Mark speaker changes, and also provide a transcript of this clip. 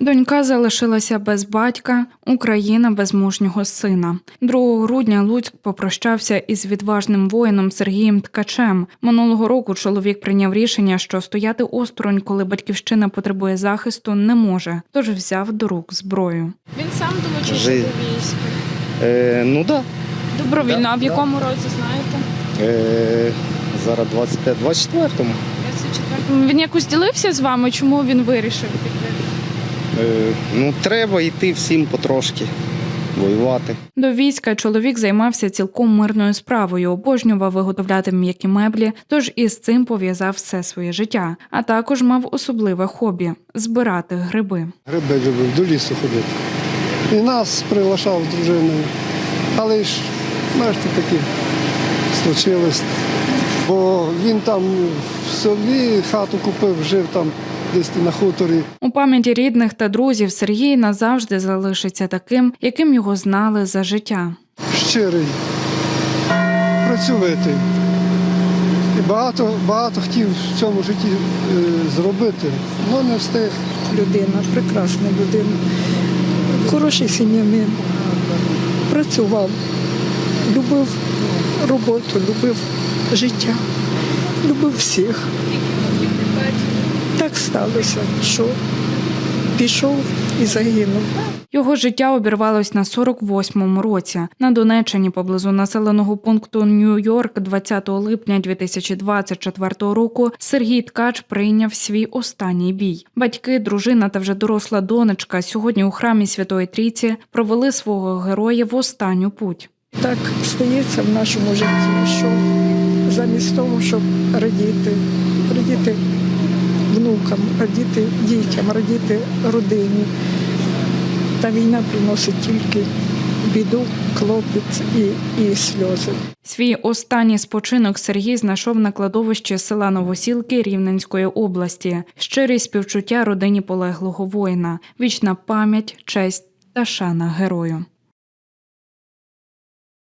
Speaker 1: Донька залишилася без батька, Україна без мужнього сина. 2 грудня Луцьк попрощався із відважним воїном Сергієм Ткачем. Минулого року чоловік прийняв рішення, що стояти осторонь, коли батьківщина потребує захисту, не може, тож взяв до рук зброю.
Speaker 2: Він сам долучився до війська?
Speaker 3: Ну так.
Speaker 2: Добровільно.
Speaker 3: Да,
Speaker 2: а в якому році, знаєте?
Speaker 3: Зараз 24-му.
Speaker 2: 24. Він якось ділився з вами? Чому він вирішив піти?
Speaker 3: Треба йти всім потрошки, воювати.
Speaker 1: До війська чоловік займався цілком мирною справою, обожнював виготовляти м'які меблі, тож із цим пов'язав все своє життя. А також мав особливе хобі – збирати гриби.
Speaker 4: Гриби любив, до лісу ходити. І нас приглашав з дружиною. Але ж, бачите, таке случилось. Бо він там в селі хату купив, жив там десь на хуторі.
Speaker 1: У пам'яті рідних та друзів Сергій назавжди залишиться таким, яким його знали за життя.
Speaker 4: Щирий, працьовитий. І багато хотів в цьому житті зробити, але не встиг.
Speaker 5: Людина, прекрасна людина, хороший сім'янин, працював, любив роботу, любив життя, любив всіх. Так сталося, що пішов і загинув.
Speaker 1: Його життя обірвалось на 48-му році. На Донеччині поблизу населеного пункту Нью-Йорк 20 липня 2024 року Сергій Ткач прийняв свій останній бій. Батьки, дружина та вже доросла донечка сьогодні у храмі Святої Трійці провели свого героя в останню путь.
Speaker 5: Так стається в нашому житті, що замість того, щоб радіти внукам, радіти дітям, радіти родині, та війна приносить тільки біду, клопіт і сльози.
Speaker 1: Свій останній спочинок Сергій знайшов на кладовищі села Новосілки Рівненської області. Щирі співчуття родині полеглого воїна, вічна пам'ять, честь та шана герою.